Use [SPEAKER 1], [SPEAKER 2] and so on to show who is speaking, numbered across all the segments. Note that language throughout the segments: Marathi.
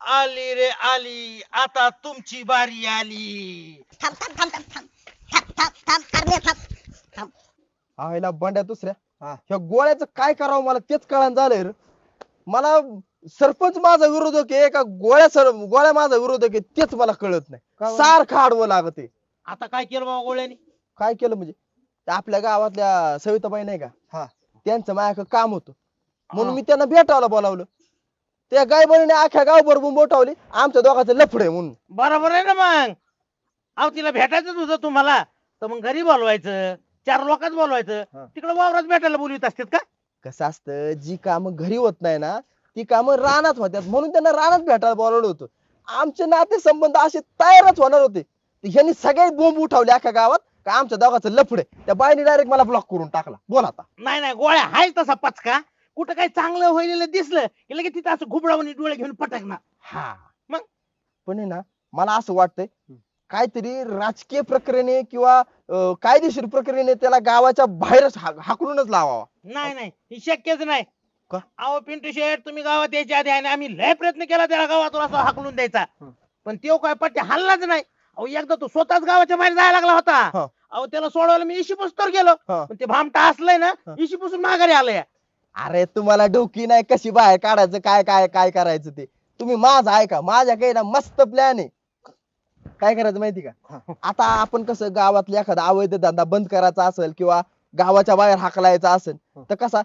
[SPEAKER 1] आली रे आली, आता तुमची बारी आली.
[SPEAKER 2] थांब थांब थांब थांब थांब थांब थांब थांब करण्या थांब.
[SPEAKER 3] आईला बंड्या दुसऱ्या ह्या गोळ्याचं काय करावं मला तेच कळण झालंय रे. मला सरपंच माझा विरोधक आहे का गोळ्या माझा विरोधक आहे तेच मला कळत नाही. सारखं आडवं लागत आहे.
[SPEAKER 1] आता काय केलं बाबा गोळ्याने?
[SPEAKER 3] काय केलं म्हणजे ते आपल्या गावातल्या सविताबाई नाही का त्यांचं माझ्याकडे काम होतं म्हणून मी त्यांना भेटायला बोलावलं. त्या गायबाईने अख्ख्या गावभर बोटावली आमच्या दोघांचं लफड आहे म्हणून.
[SPEAKER 1] बरोबर आहे ना मग. अहो तिला भेटायचंच होतं तुम्हाला तर मग घरी बोलवायचं, 4 लोकांच बोलवायचं, तिकडे वावरात भेटायला बोलवीत असतात का?
[SPEAKER 3] कसं असतं जी कामं घरी होत नाही ना ती कामं रानात होत्यात म्हणून त्यांना रानात भेटायला बोलावलं होतं. आमचे नाते संबंध असे तयारच होणार होते. ह्यांनी सगळे बोंब उठवले अख्ख्या गावात का आमच्या दोघांचं लफड आहे. त्या बाईने डायरेक्ट मला ब्लॉक करून टाकला. बोल आता.
[SPEAKER 1] नाही नाही, गोळ्या हाय तसा पचका. कुठं काही चांगलं होईल दिसलं की लगेच तिथं असं घुबडावून डोळे घेऊन पटकणार.
[SPEAKER 3] हा
[SPEAKER 1] मग?
[SPEAKER 3] पण आहे ना मला असं वाटतंय काहीतरी राजकीय प्रक्रियेने किंवा कायदेशीर प्रक्रियेने त्याला गावाच्या बाहेरच हाकलूनच लावावा.
[SPEAKER 1] नाही नाही, हे शक्यच नाही.
[SPEAKER 3] का?
[SPEAKER 1] अहो पिंटू शेठ, तुम्ही गावात यायच्या आधी आहे ना, आम्ही लय प्रयत्न केला त्याला गावातून असं हाकलून द्यायचा, पण तो काय पट्टे हल्लाच नाही. अहो एकदा तो स्वतःच गावाच्या बाहेर जायला लागला होता. अहो त्याला सोडवायला मी इशी पुस्तवर गेलो, पण ते भामटा असलंय ना इशी पुसून माघारी आलंय.
[SPEAKER 3] अरे तुम्हाला डोकी नाही कशी बाहेर काढायचं काय काय काय करायचं ते तुम्ही माझं ऐका. माझ्याकडे ना मस्त प्लॅन आहे. काय करायचं माहिती का आता आपण कसं गावातला एखादा अवैध धंदा बंद करायचा असेल किंवा गावाच्या बाहेर हाकलायचा असेल तर कसा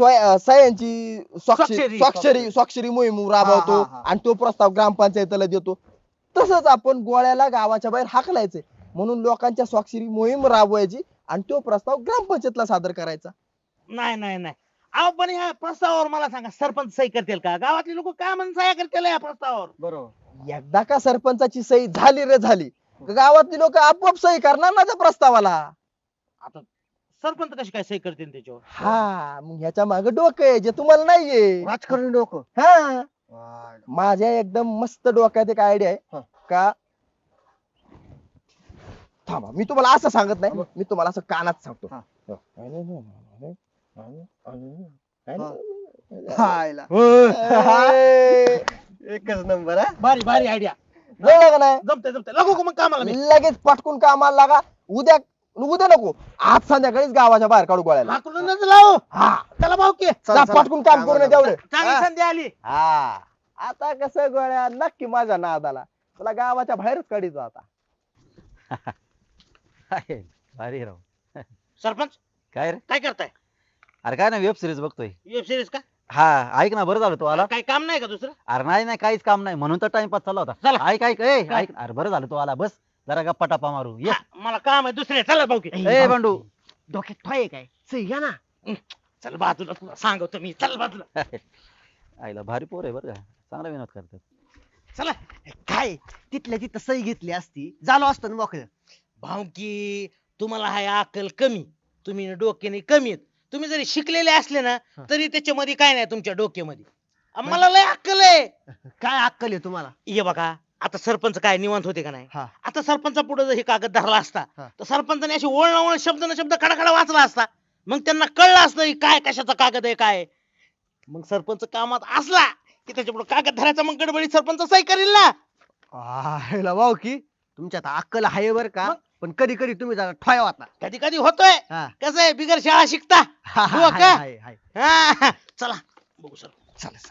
[SPEAKER 3] सह्यांची स्वाक्षरी मोहीम राबवतो आणि तो प्रस्ताव ग्रामपंचायतीला देतो. तसंच आपण गोळ्याला गावाच्या बाहेर हाकलायचंय म्हणून लोकांच्या स्वाक्षरी मोहीम राबवायची आणि तो प्रस्ताव ग्रामपंचायतला सादर करायचा.
[SPEAKER 1] नाही नाही नाही, अहो पण ह्या प्रस्तावावर मला सांगा, सरपंच सही करतील का? गावातले लोक काय म्हणून सह्या करतील या प्रस्तावावर?
[SPEAKER 3] बरोबर. एकदा का सरपंचाची सही झाली रे झाली गावातली लोक आपोआप सही करणार ना त्या प्रस्तावाला.
[SPEAKER 1] आता सरपंच कशी काय सही करतील त्याच्यावर?
[SPEAKER 3] हा मग ह्याच्या मागे डोकं आहे जे तुम्हाला नाहीये.
[SPEAKER 4] राजकारण डोकं.
[SPEAKER 3] हा माझ्या एकदम मस्त डोक्यात एक आयडिया आहे का. थांबा मी तुम्हाला असं सांगत नाही मी तुम्हाला असं कानात सांगतो.
[SPEAKER 4] एकच नंबर हा.
[SPEAKER 1] भारी भारी आयडिया.
[SPEAKER 3] कळलं का नाही.
[SPEAKER 1] जमते जमते, लागू का मग कामाला मी?
[SPEAKER 3] लगेच पटकून कामाला लागा. उद्या उद्या नको आज संध्याकाळीच गावाच्या बाहेर काढू गोळ्याला.
[SPEAKER 1] हाकलूनच लाव.
[SPEAKER 3] हा
[SPEAKER 1] त्याला भाऊ की
[SPEAKER 3] जा पटकून काम करून ये तेवढं.
[SPEAKER 1] चांगली संधी आली.
[SPEAKER 3] हा आता कसं गोळ्या नक्की माझ्या नादाला तुला गावाच्या बाहेरच काढीतो आता.
[SPEAKER 5] भारी राव.
[SPEAKER 1] सरपंच
[SPEAKER 5] काय रे?
[SPEAKER 1] काय करताय?
[SPEAKER 5] अरे काय ना वेब सिरीज बघतोय.
[SPEAKER 1] वेब सिरीज का?
[SPEAKER 5] हा ऐक ना बरं झालं तू आला.
[SPEAKER 1] काही काम नाही का दुसरं?
[SPEAKER 5] अरे नाही नाही काहीच काम नाही म्हणून तर टाइमपास चालला होता.
[SPEAKER 1] चला.
[SPEAKER 5] ऐक ऐक ए ऐक अरे बरं झालं तू आला. बस जरा गप्पा टप्पा मारू ये.
[SPEAKER 1] हा, मला काम आहे दुसरे. चला भाऊ की.
[SPEAKER 5] ए बंडू
[SPEAKER 1] डोक्यात ठोय काय? सही घ्या ना. चल बाजूला, तुला सांगतो मी. चल बाजूला.
[SPEAKER 5] आईला भारी पोर आहे बरं का. चांगला विनोद करतात.
[SPEAKER 1] चला.
[SPEAKER 4] काय तिथल्या तिथं सही घेतली असती झालो असतं ना मोकळं.
[SPEAKER 1] भाऊ की तुम्हाला हाय अक्कल कमी, तुम्ही डोक्याने कमी आहेत. तुम्ही जरी शिकलेले असले ना तरी त्याच्यामध्ये काय नाही तुमच्या डोक्यामध्ये. मला लय अक्कल आहे.
[SPEAKER 4] काय अक्कल आहे तुम्हाला?
[SPEAKER 1] ये बघा आता सरपंच काय निवांत होते का नाही?
[SPEAKER 4] हा.
[SPEAKER 1] आता सरपंचा पुढे जर हे कागद धरला असता
[SPEAKER 4] हा.
[SPEAKER 1] तर सरपंचाने अशी ओळ ना ओळ शब्द न शब्द खडाखडा वाचला असता. मग त्यांना कळलं असतं की काय कशाचा कागद आहे काय. मग सरपंच कामात असला की त्याच्या पुढे कागद धरायचा मग गडबडीत सरपंच सही करील ना.
[SPEAKER 4] ह्याला वाव की तुमच्यात अक्कल आहे बर का. पण कधी कधी तुम्ही जरा ठोया होता.
[SPEAKER 1] कधी कधी होतोय.
[SPEAKER 4] हा.
[SPEAKER 1] कसं आहे बिगर शाळा शिकता. हो का?
[SPEAKER 4] हाय, हाय.
[SPEAKER 1] हा, चला बघू सर.
[SPEAKER 4] चालेल.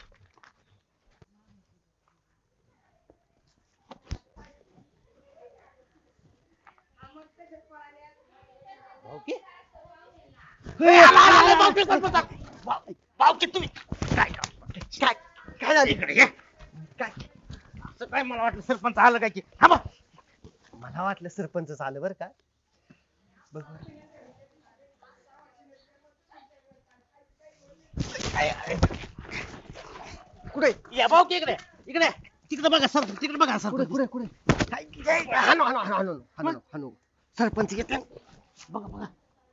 [SPEAKER 1] भाऊकी? आला, भाऊकी सरपंच. भाऊकी तुम्ही काय काय काय झालं इकडे ये. काय असं काय मला वाटलं सरपंच आलं काय की. हा बा.
[SPEAKER 4] मला वाटलं सरपंच आलं बर का. बघ बरं. कुठे
[SPEAKER 1] या भाऊकी इकडे इकडे तिकडे बघा सर, तिकडे बघा सर.
[SPEAKER 4] कुठे कुठे कुठे काय हाणू हाणू हाणू हाणू हाणू हाणू. सरपंच घेतला.
[SPEAKER 1] बघा बघा.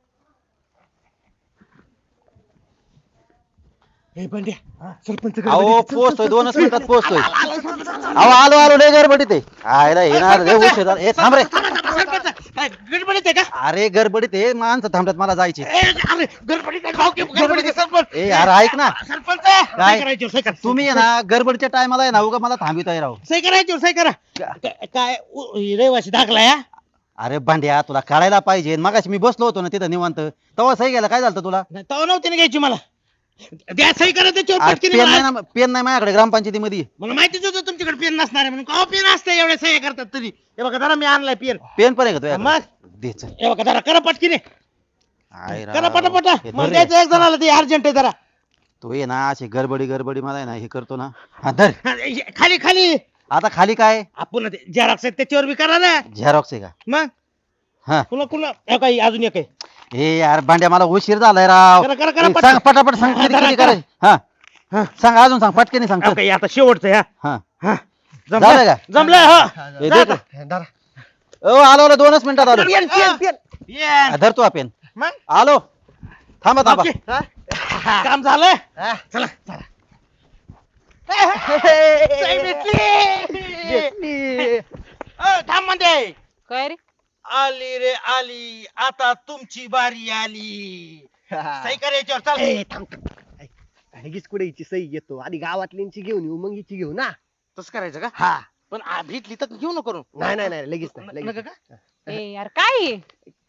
[SPEAKER 4] सरपंच
[SPEAKER 5] अहो पोहोचतोय 2च मिनिटात पोहोचतोय. अहो आलो आलो लय गडबडीत आहे. आयला येणार लय उशीर झाला. ए थांब रे.
[SPEAKER 1] सरपंच काय गडबडीत आहे का
[SPEAKER 5] अरे गडबडीत आहे माणसं थांबतात मला जायचे
[SPEAKER 1] अरे गडबडीत आहे भाऊ की गडबडीत आहे सरपंच
[SPEAKER 5] ए यार ऐक ना
[SPEAKER 1] सरपंच सही करायची सही करा
[SPEAKER 5] तुम्ही आहे ना गडबडीच्या टायमाला आहे ना उगा मला थांबिताय राव
[SPEAKER 1] सही करायची सही करा काय रहिवाशी दाखला या
[SPEAKER 5] अरे भांड्या तुला कळायला पाहिजे मगाशी मी बसलो होतो ना तिथं निवांत तेव्हा सही गेला काय झालं तुला
[SPEAKER 1] तवा नव्हती ना घ्यायची मला द्या सही करा त्याच्यावर
[SPEAKER 5] अरे
[SPEAKER 1] पटकन
[SPEAKER 5] पेन नाही
[SPEAKER 1] मला
[SPEAKER 5] ना पेन नाही माझ्याकडे ग्रामपंचायतीमध्ये
[SPEAKER 1] मला माहितीच होतं तुमच्याकडे पेन नसणार आहे म्हणून का पेन असतं एवढ्या सह्या करतात तरी हे बघा जरा मी आणलाय पेन
[SPEAKER 5] पेन पण आहे का तुझ्याकडे?
[SPEAKER 1] मग
[SPEAKER 5] दे चल.
[SPEAKER 1] हे बघा जरा करा पटकीने
[SPEAKER 5] आहे राव.
[SPEAKER 1] करा पटापटा
[SPEAKER 5] हे
[SPEAKER 1] मग
[SPEAKER 5] धर रे.
[SPEAKER 1] द्यायचं एक जणाला ते अर्जंट आहे जरा
[SPEAKER 5] तू ये ना अशी गडबडी मला आहे ना हे करतो ना हा धर
[SPEAKER 1] खाली खाली
[SPEAKER 5] आता खाली काय
[SPEAKER 1] आपण झेरॉक्स आहे त्याच्यावर बी करा ना
[SPEAKER 5] झेरॉक्स आहे का
[SPEAKER 1] मग
[SPEAKER 5] हा
[SPEAKER 1] पुन्हा पुन्हा हे काही अजून एक आहे
[SPEAKER 5] ए यार भांड्या मला उशीर झालाय राव
[SPEAKER 1] करा, करा, करा,
[SPEAKER 5] ए,
[SPEAKER 1] पटकन.
[SPEAKER 5] सांग पटापट सांग
[SPEAKER 1] हा,
[SPEAKER 5] किती
[SPEAKER 1] धरा,
[SPEAKER 5] किती
[SPEAKER 1] धरा.
[SPEAKER 5] करायचं हा सांग अजून सांग पटकेने सांग
[SPEAKER 1] हे
[SPEAKER 5] चल.
[SPEAKER 1] काही आता शेवटचं आहे,
[SPEAKER 5] हा
[SPEAKER 1] हा
[SPEAKER 5] झालं
[SPEAKER 1] जमलं
[SPEAKER 5] का?
[SPEAKER 1] जमलंय हो
[SPEAKER 5] ए,
[SPEAKER 1] जा
[SPEAKER 5] दे
[SPEAKER 1] आता.
[SPEAKER 5] का? ओ आलो आलो 2च मिनिटात आलो
[SPEAKER 1] ये.
[SPEAKER 5] हा, धर तू हा पेन
[SPEAKER 1] मग
[SPEAKER 5] आलो थांबा थांबा
[SPEAKER 1] ओके. काम झालं चला चला सही भेटली. थांब म्हणते
[SPEAKER 6] काय रे
[SPEAKER 1] आली रे आली आता तुमची बारी आली सही करायच्यावर चल
[SPEAKER 4] लगेच कुठे हिची सही घेतो आधी गावातल्यांची घेऊन येऊ मग हिची घेऊ ना
[SPEAKER 1] तसं करायचं का
[SPEAKER 4] हा
[SPEAKER 1] पण भेटली तर घेऊ नको करून
[SPEAKER 4] नाही नाही नाही लगेच नाही
[SPEAKER 1] नका
[SPEAKER 4] लगेच
[SPEAKER 1] का
[SPEAKER 6] ए यार काय आहे?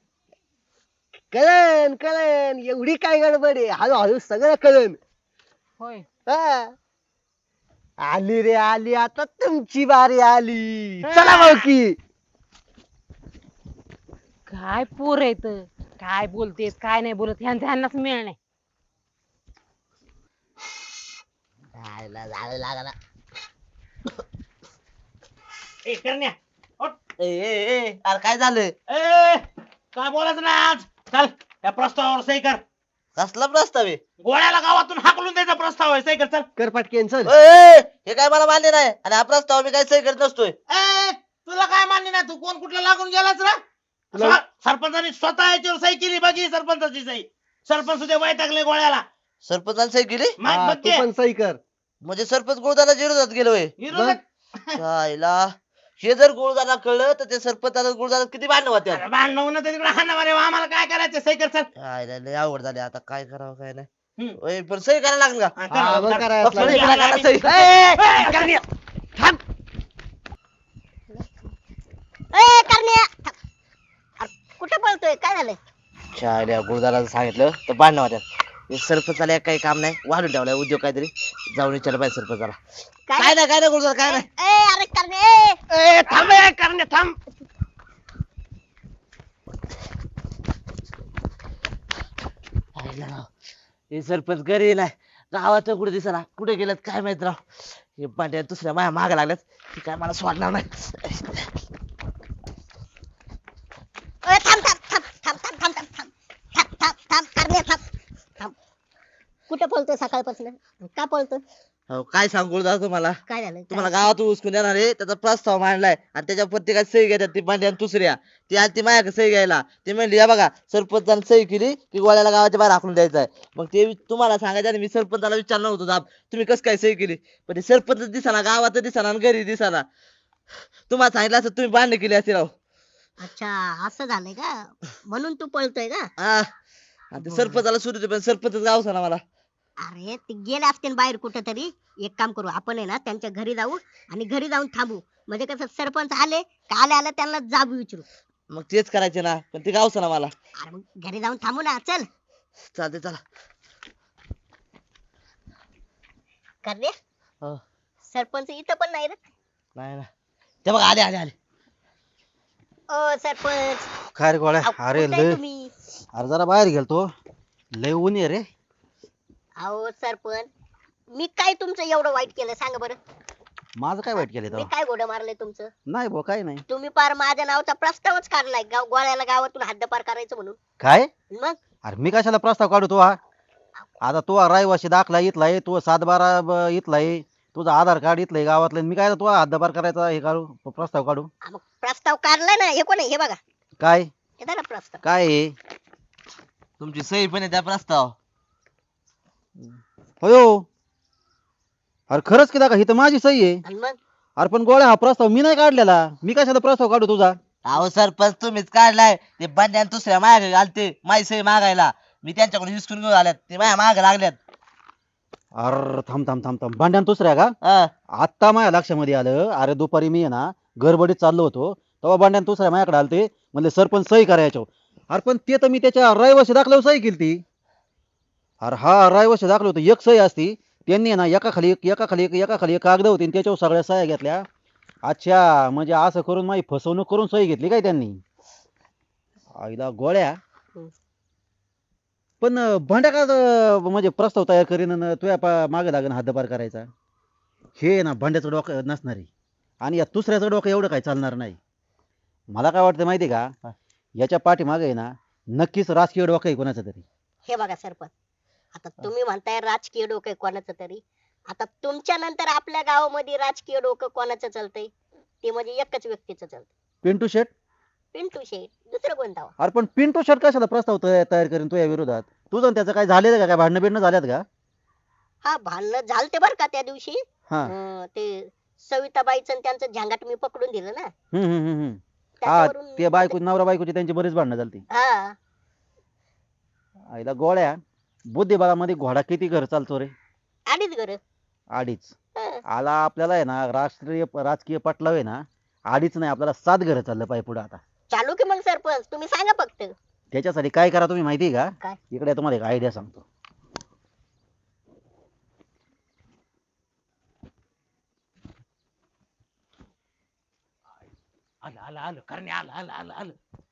[SPEAKER 4] कळन कळन एवढी काय गडबड आहे हळूहळू सगळं कळन
[SPEAKER 6] होय
[SPEAKER 4] हा. आली रे आली आता तुमची बारी आली चला भाऊ की
[SPEAKER 6] काय पोर येत काय बोलतेस काय नाही बोलत ह्यांनाच मिळ नाही
[SPEAKER 1] ए करण्या उठ.
[SPEAKER 3] अरे काय झालं
[SPEAKER 1] ए काय बोलायचं ना आज चल या प्रस्तावावर सही कर
[SPEAKER 3] कसला प्रस्ताव आहे
[SPEAKER 1] गोळ्याला गावातून हाकलून द्यायचा प्रस्ताव आहे सही कर चल
[SPEAKER 4] कर पटकेन चल
[SPEAKER 3] हे काय मला मान्य नाही आणि हा प्रस्ताव मी काय सही करत नसतोय
[SPEAKER 1] ए तुला काय मान्य नाही तू कोण कुठला लागून गेलाच ना सरपंचाने स्वतः याच्यावर सही केली बघी सरपंचाची सही सरपंच उद्या वैतागले गोळ्याला
[SPEAKER 3] सरपंचाने सही केली
[SPEAKER 1] मग
[SPEAKER 4] हा,
[SPEAKER 1] बघ
[SPEAKER 4] तू
[SPEAKER 1] ते.
[SPEAKER 4] पण सही कर
[SPEAKER 3] म्हणजे सरपंच गुरुदादा विरोधात गेलोय
[SPEAKER 1] विरोधात-
[SPEAKER 3] आईला हे जर गुरुदादा कळलं तर ते सरपंचाला गुरुदादा किती भांडण होत्या
[SPEAKER 1] अरे भांडणं होणं तर तिकडे हाणं मारे आम्हाला काय करायचं सही कर चल
[SPEAKER 3] आईला लय आवड झाली आता काय करावं काय नाही
[SPEAKER 1] हम्म.
[SPEAKER 3] ओय, पण सही करायला लागेल का
[SPEAKER 1] हा, कर,
[SPEAKER 4] हा, मग
[SPEAKER 1] कर.
[SPEAKER 4] करायलाच
[SPEAKER 1] सही
[SPEAKER 3] लागेल.
[SPEAKER 1] करायला लागेल.
[SPEAKER 3] सही.
[SPEAKER 1] ए, करण्या.
[SPEAKER 2] ए करण्या थांब. अरे, कुठं पळतोय काय झालं
[SPEAKER 3] शाळेला गुरुदाला सांगितलं तर भांडण होत्या सरपंचाला एक काही काम नाही वाढून ठेवलाय उद्योग काहीतरी जाऊन विचारलं पाहिजे सरपंचाला काय नाही गुरुदादा काय नाही
[SPEAKER 2] ए अरे करण्या
[SPEAKER 1] ए, थांब ए, करण्या थांब
[SPEAKER 3] हे सरपंच घरी नाही गावात कुठे दिसला कुठे गेल्यात काय माहित राव हे पांड्या दुसऱ्या माझ्या माग लागल्यात की काय मला सोडणार नाही
[SPEAKER 2] ए, थांब थांब थांब थांब थांब थांब थांब थांब थांब थांब करण्या थांब थांब कुठं पळतोय सकाळपासून का पळतोय
[SPEAKER 3] हो काय सांगू गुरुदादा तुम्हाला
[SPEAKER 2] काय झालं
[SPEAKER 3] तुम्हाला गावातून उचकून देणार आहे त्याचा प्रस्ताव मांडलाय आणि त्याच्या प्रत्येकात सही घेतात ती पांड्या आणि दुसऱ्या ती आली ती माझ्याकडे सही घ्यायला ती म्हणली या बघा सरपंचाने सही केली की गोळ्याला गावाच्या बाहेर हाकलून द्यायचं आहे मग ते तुम्हाला सांगायचं आणि मी सरपंचाला विचारणार होतो दाब तुम्ही कसं काय सही केली पण ते सरपंच दिसाना गावात दिसाना आणि घरी दिसाना तुम्हाला सांगितलं असं तुम्ही बांधणी केली असे राव
[SPEAKER 2] अच्छा असं झालंय का म्हणून तू पळतोय का
[SPEAKER 3] हा आणि ते सरपंचाला सुरू पण सरपंच गावचा ना मला
[SPEAKER 2] अरे ते गेले असतील बाहेर कुठं तरी एक काम करू आपण आहे ना त्यांच्या घरी जाऊ आणि घरी जाऊन थांबू म्हणजे कसं सरपंच आले का आले त्यांना जाब विचारू
[SPEAKER 3] मग तेच करायचे ना पण ते गावचं ना मला
[SPEAKER 2] अरे मग घरी जाऊन थांबू ना चल
[SPEAKER 3] चालते चला
[SPEAKER 2] करणे
[SPEAKER 3] हो.
[SPEAKER 2] सरपंच इथं पण नाही रे
[SPEAKER 3] नाही ना ते बघा आले आले आले
[SPEAKER 2] ओ सरपंच
[SPEAKER 5] काय रे गोळ्या
[SPEAKER 2] अहो,
[SPEAKER 5] अरे
[SPEAKER 2] कुठं आहे
[SPEAKER 5] लय
[SPEAKER 2] तुम्ही
[SPEAKER 5] अरे जरा बाहेर गेलतो लय ऊन आहे रे
[SPEAKER 2] अहो सरपंच मी काय तुमचं एवढं वाईट केलं सांगा बरं
[SPEAKER 5] माझं काय वाईट केलं
[SPEAKER 2] मी
[SPEAKER 5] तेव्हा
[SPEAKER 2] काय घोडं मारलंय तुमचं
[SPEAKER 5] नाही भाऊ काय नाही
[SPEAKER 2] तुम्ही पार माझ्या नावाचा प्रस्तावच काढलाय गोळ्याला गावातून हद्दपार करायचं म्हणून
[SPEAKER 5] काय
[SPEAKER 2] मग
[SPEAKER 5] अरे मी कशाला प्रस्ताव काढू तो हा आता तो रहिवाशी दाखला इथला आहे तो 7/12 इथला आहे तुझं आधार कार्ड इथलं आहे गावातलं मी काय तो हद्दपार करायचा हे काढू प्रस्ताव काढू
[SPEAKER 2] हा, मग प्रस्ताव काढलाय ना हे कोण आहे? हे बघा
[SPEAKER 5] काय
[SPEAKER 2] हे धरा प्रस्ताव
[SPEAKER 5] काय आहे
[SPEAKER 3] तुमची सही पण आहे त्या प्रस्ताव
[SPEAKER 5] होयो अरे खरंच की दाखा ही तर माझी सही आहे
[SPEAKER 2] आणि मग
[SPEAKER 5] अरे पण गोळ्या हा प्रस्ताव मी नाही काढलेला मी कशाला प्रस्ताव काढू तुझा
[SPEAKER 7] अहो सरपंच तुम्हीच काढलाय. ते बंड्यान दुसऱ्या मागे घालते माझी सही मागायला. मी त्यांच्याकडून हिसकून घेऊन आल्यात ते माझ्या मागे लागल्यात.
[SPEAKER 5] अरे थांब थांब थांब थांब भांड्यान दुसऱ्या का?
[SPEAKER 7] हा.
[SPEAKER 5] आता माझ्या लक्षामध्ये आलं. अरे दुपारी मी आहे ना गडबडीत चाललो होतो तेव्हा भांड्यान दुसऱ्या माझ्याकडे आलते म्हणले सरपंच सही करायचो. अरे पण ते तर मी त्याच्या रहिवाशी दाखल्यावर सही केली ती. अरे हा रहिवाशी दाखलं होतं एक सही असती. त्यांनी आहे ना एका खाली एक एका खाली एक एका खाली एक कागद होती आणि त्याच्यावर सगळ्या सह्या घेतल्या. अच्छा म्हणजे असं करून माझी फसवणूक करून सही घेतली काय त्यांनी? आईला गोळ्या. पण भांड्या का म्हणजे प्रस्ताव तयार करीन आणि तुझ्या मागे लागेल हद्दपार करायचा. हे ना भांड्याचं डोकं नसणार आहे आणि या दुसऱ्याचं डोकं एवढं काय चालणार नाही. मला काय वाटतं माहिती का याच्या पाठीमागे आहे ना नक्कीच राजकीय डोकं आहे कोणाचं तरी.
[SPEAKER 2] हे बघा सरपंच, आता तुम्ही म्हणताय राजकीय डोकं कोणाचं तरी. आता तुमच्या नंतर आपल्या गावामध्ये राजकीय डोकं कोणाचं चालतंय? ते म्हणजे एकच व्यक्तीचं चालतंय,
[SPEAKER 5] पिंटू शेट.
[SPEAKER 2] पिंटू शेठ. दुसरं कोणता हो?
[SPEAKER 5] अरे पण पिंटू शेट कशाला प्रस्ताव तयार करीन तुझ्या विरोधात? तुझं आणि त्याचं काय झालेलं का? काय भांडणं बिंडणं झाल्यात का?
[SPEAKER 2] हा, भांडणं झालते बर का त्या दिवशी.
[SPEAKER 5] हा.
[SPEAKER 2] ते सविताबाईचं आणि त्यांचं झंगाट मी पकडून दिलं ना.
[SPEAKER 5] हम्म. हा
[SPEAKER 2] त्याच्यावरून
[SPEAKER 5] ते बायको नवरा बायकोची त्यांची बरीच भांडणं झालती.
[SPEAKER 2] हा,
[SPEAKER 5] आईला गोळ्या बुद्धिबळामध्ये घोडा किती घर चालतो रे?
[SPEAKER 2] अडीच घर.
[SPEAKER 5] अडीच. आला आपल्याला आहे ना राजकीय पटलाव आहे ना अडीच नाही आपल्याला 7 घर चाललं पाहिजे पुढे आता.
[SPEAKER 2] चालू की मग सरपंच, तुम्ही सांगा फक्त.
[SPEAKER 5] त्याच्यासाठी काय करा तुम्ही माहिती आहे का?
[SPEAKER 2] काय?
[SPEAKER 5] इकडे तुम्हाला एक आयडिया सांगतो.
[SPEAKER 1] आलं आलं आलं करणे आलं आलं आलं आलं.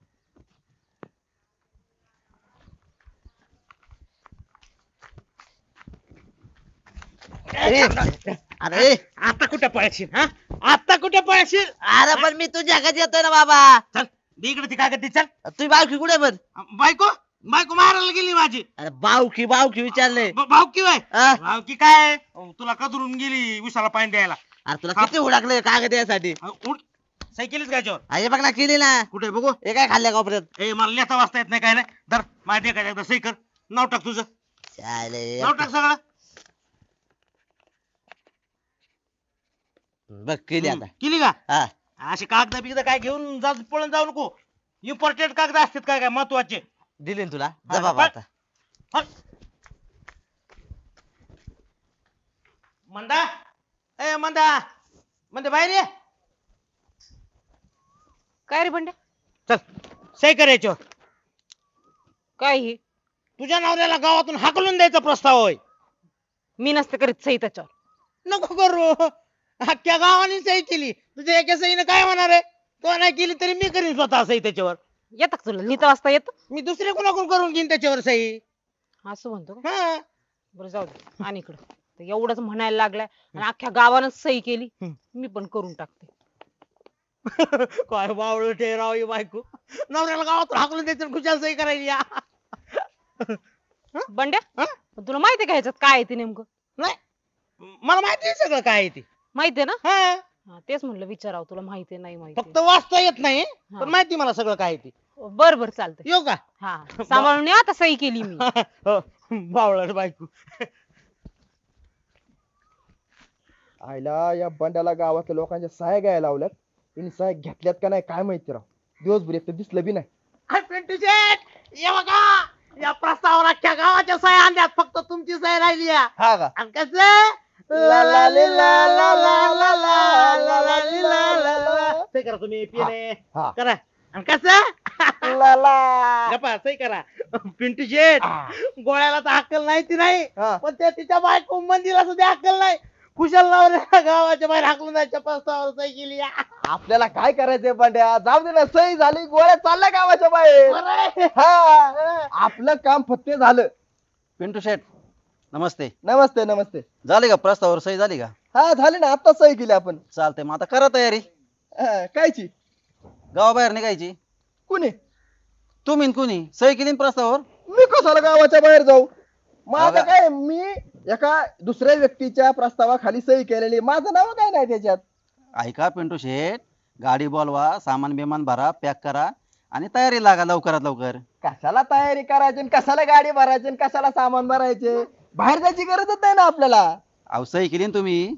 [SPEAKER 7] अरे
[SPEAKER 1] आता कुठे पळशील? हा, आता कुठे पळशील?
[SPEAKER 7] अरे पण मी तुझ्या घरी येतोय ना बाबा.
[SPEAKER 1] चल दे इकडे ती कागद दे, चल.
[SPEAKER 7] तुम्ही बावकी कुठे पण?
[SPEAKER 1] बायको बायको मारायला गेली माझी.
[SPEAKER 7] अरे बावकी विचारले.
[SPEAKER 1] भावकी वय
[SPEAKER 7] हा?
[SPEAKER 1] भावकी काय तुला कदरून गेली उसाला पाणी द्यायला.
[SPEAKER 7] अरे तुला किती हुडाकले कागद यासाठी?
[SPEAKER 1] उठ सही केलीच का याच्यावर?
[SPEAKER 7] अरे बघ ना केली ना.
[SPEAKER 1] कुठे बघू?
[SPEAKER 7] हे काय खाल्ल्या कोपऱ्यात?
[SPEAKER 1] ए मला लिहिता वाचता येत नाही काय नाही. धर माझ्या काय एकदा सही कर. नाव टाक तुझं.
[SPEAKER 7] चालेल.
[SPEAKER 1] नाव टाक सगळं.
[SPEAKER 7] बघ केली आता.
[SPEAKER 1] केली का?
[SPEAKER 7] हा.
[SPEAKER 1] असे कागद बिगद काय घेऊन पळून जाऊ नको. इम्पॉर्टंट कागद असतात काय काय महत्वाचे.
[SPEAKER 7] दिली ना तुला.
[SPEAKER 1] हा,
[SPEAKER 7] जा बाबा
[SPEAKER 1] बघ.
[SPEAKER 7] आता.
[SPEAKER 1] हट. मंदा ए मंदा मंदे बाहेर ये.
[SPEAKER 6] काय रे बंड्या?
[SPEAKER 1] चल सही कर याच्यावर.
[SPEAKER 6] काय हे?
[SPEAKER 1] तुझ्या नवऱ्याला गावातून हाकलून द्यायचा प्रस्ताव होय.
[SPEAKER 6] मी नसते करीत सही त्याच्यावर.
[SPEAKER 1] नको करू. अख्ख्या गावाने सही केली. तुझ्या एका सहीने काय होणार आहे? तो नाही केली तरी मी करीन स्वतः सही त्याच्यावर.
[SPEAKER 6] येतं का तुला लिहिता वाचता येतं?
[SPEAKER 1] मी दुसरे कोणाकडून करून घेईन त्याच्यावर सही.
[SPEAKER 6] असं म्हणतो का?
[SPEAKER 1] हा.
[SPEAKER 6] बरं जाऊ दे आणि इकडं तर एवढंच म्हणायला लागलाय आणि अख्ख्या गावानं सही केली. मी पण करून टाकते.
[SPEAKER 1] काय बावळ ठेराव ही बायको. नवऱ्याला गावातून हाकलून द्यायचं खुशाल सही करायची. या.
[SPEAKER 6] बंड्या
[SPEAKER 1] हा?
[SPEAKER 6] पण तुला माहितीये का ह्याच्यात काय आहे ते नेमकं?
[SPEAKER 1] नाही मला माहिती आहे सगळं काय आहे ते.
[SPEAKER 6] माहितीये ना?
[SPEAKER 1] हा.
[SPEAKER 6] हा, तेच म्हणलं विचारावं तुला माहितीये नाही माहिती.
[SPEAKER 1] फक्त वाचता येत नाही
[SPEAKER 6] हा.
[SPEAKER 1] पण माहिती मला सगळं काय आहे ते.
[SPEAKER 6] बर बर चालतंय.
[SPEAKER 1] येऊ का?
[SPEAKER 6] हा सांभाळून या, आता सही केली मी.
[SPEAKER 1] हो, बावळट बायको.
[SPEAKER 3] आईला या बंड्याला गावातल्या लोकांच्या सह्या घ्यायला लावल्यात. त्यांनी सह्या घेतल्यात का नाही काय माहिती राव. दिवसभर एक तर दिसलं बी नाही.
[SPEAKER 1] हाय पिंटू शेठ, ये बघा या प्रस्तावाला अख्ख्या गावाच्या सह्या आणल्यात. फक्त तुमची सही राहिली आहे.
[SPEAKER 3] हा का?
[SPEAKER 1] आणि कसं ला ला ली ला ला ला ला ला ला ला ली ला ला ला. सही करा तुम्ही पिणे
[SPEAKER 3] हा.
[SPEAKER 1] करा. आणि कसं
[SPEAKER 3] ला ला.
[SPEAKER 1] गप्पा सही करा. पिंटू शेठ गोळ्याला तर अक्कल नाही ती नाही
[SPEAKER 3] हा.
[SPEAKER 1] पण त्या तिच्या बायको मंदिला सुद्धा अक्कल नाही. कुशल नवऱ्याला गावाच्या बाहेर हाकलून जायच्या प्रस्तावावर सही केली.
[SPEAKER 3] आपल्याला काय करायचंय बंड्या? जाऊ दे ना, सही झाली, गोळ्या चालल्या गावाच्या बाहेर.
[SPEAKER 1] बरं आहे.
[SPEAKER 3] हा. आपलं काम फत्ते झालं.
[SPEAKER 5] पिंटू शेट नमस्ते.
[SPEAKER 3] नमस्ते नमस्ते.
[SPEAKER 5] झाली का प्रस्तावावर सही झाली का?
[SPEAKER 3] हा झाली ना, आता सही केली आपण.
[SPEAKER 5] चालतंय मग आता करा तयारी.
[SPEAKER 3] हा, कायची?
[SPEAKER 5] गावाबाहेर निघायची.
[SPEAKER 3] कुणी?
[SPEAKER 5] तुम्ही न कुणी सही केली ना प्रस्तावावर?
[SPEAKER 3] मी कशाला गावाच्या बाहेर जाऊ? माझं
[SPEAKER 5] अगं.
[SPEAKER 3] काय, मी एका दुसऱ्या व्यक्तीच्या प्रस्तावाखाली सही केलेली, माझं नाव काय नाही त्याच्यात.
[SPEAKER 5] ऐका पिंटू शेट गाडी बोलवा, सामान बिमान भरा, पॅक करा आणि तयारी लागा लवकरात लवकर.
[SPEAKER 3] कशाला तयारी करायची आणि कशाला गाडी भरायची आणि कशाला सामान भरायचे? बाहेर जायची गरजच नाही ना आपल्याला.
[SPEAKER 5] अहो सही केली ना तुम्ही.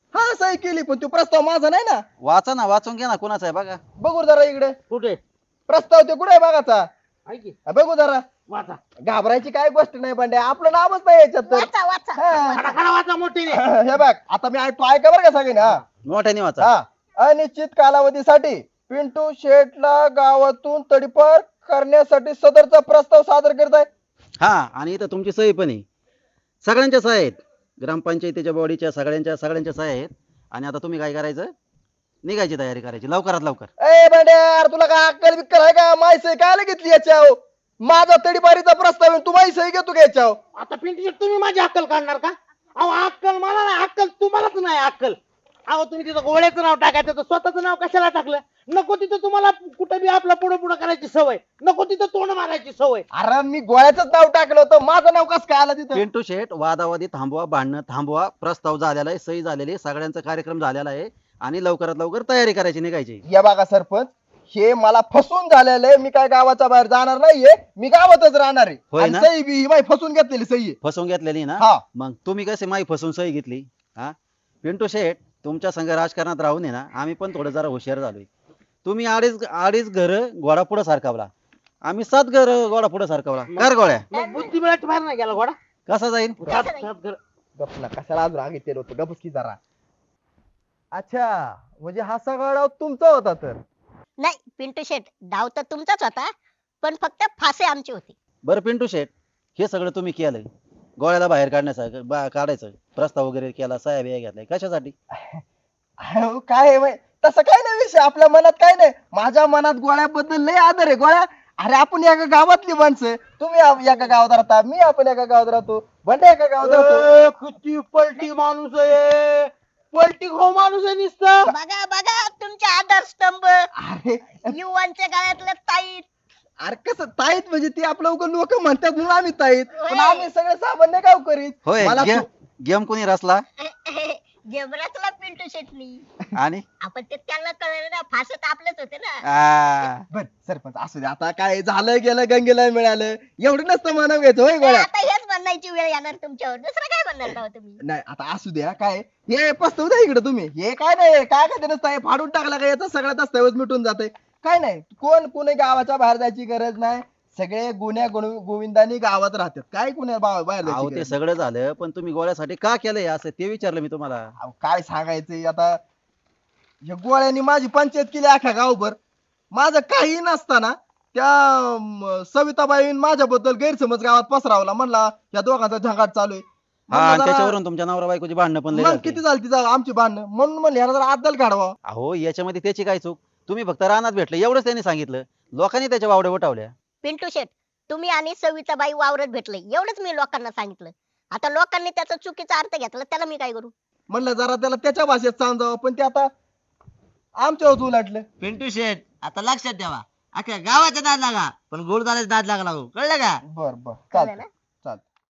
[SPEAKER 3] हा सही केली पण तो प्रस्ताव माझा नाही ना.
[SPEAKER 5] वाचा ना, वाचून घ्या ना, कोणाचा आहे बघा.
[SPEAKER 3] बघू जरा इकडे
[SPEAKER 1] कुठे
[SPEAKER 3] प्रस्ताव ते कुठे आहे बघाचा.
[SPEAKER 1] ऐकी
[SPEAKER 3] बघू जरा.
[SPEAKER 1] वाचा
[SPEAKER 3] घाबरायची काय गोष्ट नाही बंड्या, आपलं नावच नाही याच्यात तर.
[SPEAKER 2] वाचा वाचा
[SPEAKER 3] हा.
[SPEAKER 1] खडा खडा वाचा मोठीने.
[SPEAKER 3] हे बघ आता मी ऐकतो, ऐका बरं का सगळे हा.
[SPEAKER 5] मोठ्याने वाचा.
[SPEAKER 3] हा अनिश्चित कालावधीसाठी पिंटू शेटला गावातून तडीपार करण्यासाठी सदरचा प्रस्ताव सादर करत आहे.
[SPEAKER 5] हा, आणि इथं तुमची सही पण आहे, सगळ्यांच्या सह्या आहेत, ग्रामपंचायतीच्या बॉडीच्या सगळ्यांच्या सह्या आहेत. आणि आता तुम्ही काय करायचं, निघायची तयारी करायची लवकरात लवकर.
[SPEAKER 3] ए बंड्या अरे तुला काय अक्कल बिक्कल आहे का, माय सही काय घेतली याच्यावर. माझा तडीपारीचा प्रस्ताव आहे, तू माही सही घेतो का याच्यावर.
[SPEAKER 1] आता पिंटू शेट तुम्ही माझी अक्कल काढणार का? अहो अक्कल मला नाही, अक्कल तुम्हालाच नाही अक्कल. अहो तुम्ही तिथं गोळ्याचं नाव टाकायचं तर स्वतःचं नाव कशाला टाकलं? नको तिथं तुम्हाला कुठं बी आपला पुढे पुढे करायची सवय, नको तिथं तोंड मारायची सवय.
[SPEAKER 3] अरे मी गोळ्याच नाव टाकलं होतं, माझं नाव कसं काय आलं तिथं.
[SPEAKER 5] पिंटू शेट, वादावादी थांबवा, भांडणं थांबवा, प्रस्ताव झालेला आहे, सही झालेली आहे, सगळ्यांचा कार्यक्रम झालेला आहे आणि लवकरात लवकर तयारी करायची, निघायची.
[SPEAKER 3] या बघा सरपंच, हे मला फसून झालेलं आहे. मी काय गावाच्या बाहेर जाणार नाहीये, मी गावातच राहणार आहे.
[SPEAKER 5] होय
[SPEAKER 3] आणि
[SPEAKER 5] ना?
[SPEAKER 3] सही बी ही माझी फसून घेतलेली सही आहे.
[SPEAKER 5] फसवून घेतलेली ना.
[SPEAKER 3] हा.
[SPEAKER 5] मग तुम्ही कसे माई फसून सही घेतली? हा, पिंटू शेट, तुमच्या संघ राजकारणात राहून आहे ना, आम्ही पण थोडं जरा हुशार झालोय. तुम्ही अडीच घर घोडा पुढे सारखावला, आम्ही 7 घर घोडा पुढे सारखावला. कर गोळ्या,
[SPEAKER 1] मग बुद्धिबळाच्या बाहेर नाही गेला घोडा.
[SPEAKER 5] कसा जाईल?
[SPEAKER 1] सात घर.
[SPEAKER 3] गपला कशाला अजून आगी तेल होतं, गपच की जरा. अच्छा म्हणजे हा सगळा डाव तुमचा होता तर.
[SPEAKER 2] नाही पिंटू शेट, डाव तर तुमचाच होता पण फक्त फासे आमचे होते.
[SPEAKER 5] बरं पिंटू शेट, हे सगळं तुम्ही केलंय, गोळ्याला बाहेर काढायचं प्रस्ताव वगैरे केला, सह्या बिया घेतलाय, कशासाठी?
[SPEAKER 3] अहो, काय आहे माहित- तसं काय नाही विषय, आपल्या मनात काय नाही. माझ्या मनात गोळ्याबद्दल लय आदर आहे. गोळ्या अरे आपण एका गावातली माणसं, तुम्ही एका गावात राहता, मी आपण एका गावात राहतो, बंड्या एका गावात राहतो.
[SPEAKER 1] ए, किती पलटी माणूस आहे, पलटी खो माणूस आहे नुसतं.
[SPEAKER 2] बघा बघा तुमचे आधारस्तंभ,
[SPEAKER 3] अरे
[SPEAKER 2] युवांच्या गळ्यातलं ताईत.
[SPEAKER 3] अरे कसं ताईत म्हणजे ती आपलं लोक म्हणतात म्हणून आम्ही ताईत, पण आम्ही सगळे सामान्य गाव करीत.
[SPEAKER 5] होय,
[SPEAKER 3] मला
[SPEAKER 5] गेम कोणी रचला
[SPEAKER 2] जबरातला पिंटू शेटनी.
[SPEAKER 5] आणि
[SPEAKER 2] आपण ते त्यांना कळलं ना, फासे तर आपलेच होते ना.
[SPEAKER 3] बर सरपंच असू दे, आता काय झालं गेलं गंगेला मिळालं, एवढं नसतं मानव घ्यायचं होय गोळ्या.
[SPEAKER 2] आता हेच म्हणायची वेळ येणार तुमच्यावर, दुसरं काय म्हणणार का हो तुम्ही?
[SPEAKER 3] नाही आता असू द्या, काय हे पस्तव द्या इकडे तुम्ही, हे काय नाही काय काय नसतं, हे फाडून टाकला का याचा सगळ्या दस्तावेज मिटून जाते. काय नाही, कोणी गावाच्या बाहेर जायची गरज नाही, सगळे गोविंदानी गावात राहतात, काय कुण्या बाहेर
[SPEAKER 5] अहो
[SPEAKER 3] जायची
[SPEAKER 5] ते
[SPEAKER 3] गरज
[SPEAKER 5] सगळं झालं, पण तुम्ही गोळ्यासाठी का केलंय असं ते विचारलं मी तुम्हाला.
[SPEAKER 3] नाही. अहो, काय सांगायचंय आता, या गोळ्यांनी माझी पंचायत केली अख्ख्या गावभर. माझं काही नसताना त्या सविताबाई माझ्याबद्दल गैरसमज गावात पसरावला, म्हणला या दोघांचा झंगाट चालू आहे.
[SPEAKER 5] हा, आणि
[SPEAKER 3] म्हणलं जरा-
[SPEAKER 5] त्याच्यावरून तुमच्या नवरा बायकोची भांडणं पण लय
[SPEAKER 3] मग
[SPEAKER 5] झालती.
[SPEAKER 3] किती झाली आमची भांडणं, म्हणून म्हणलं याला जरा अद्दल काढवा.
[SPEAKER 5] अहो याच्यामध्ये त्याची काय चूक, तुम्ही फक्त रानात भेटले एवढंच त्यांनी सांगितलं, लोकांनी त्याच्या वावड्या उठवल्या.
[SPEAKER 2] पिंटू शेट, तुम्ही आणि सविताबाई वावरत भेटले एवढंच मी लोकांना सांगितलं. आता लोकांनी त्याचा चुकीचा अर्थ घेतला, त्याला मी काय करू?
[SPEAKER 3] म्हणलं जरा त्याला त्याच्या भाषेत समजावं, पण ते आता आमच्यावर उलटलं.
[SPEAKER 7] पिंटू शेट, आता लक्षात ठेवा, अख्ख्या गावाचा नाद लागा पण गोड नाद लागला हो. कळलं का?
[SPEAKER 3] बर बर
[SPEAKER 2] कळलं
[SPEAKER 3] चालतंय.
[SPEAKER 2] ना?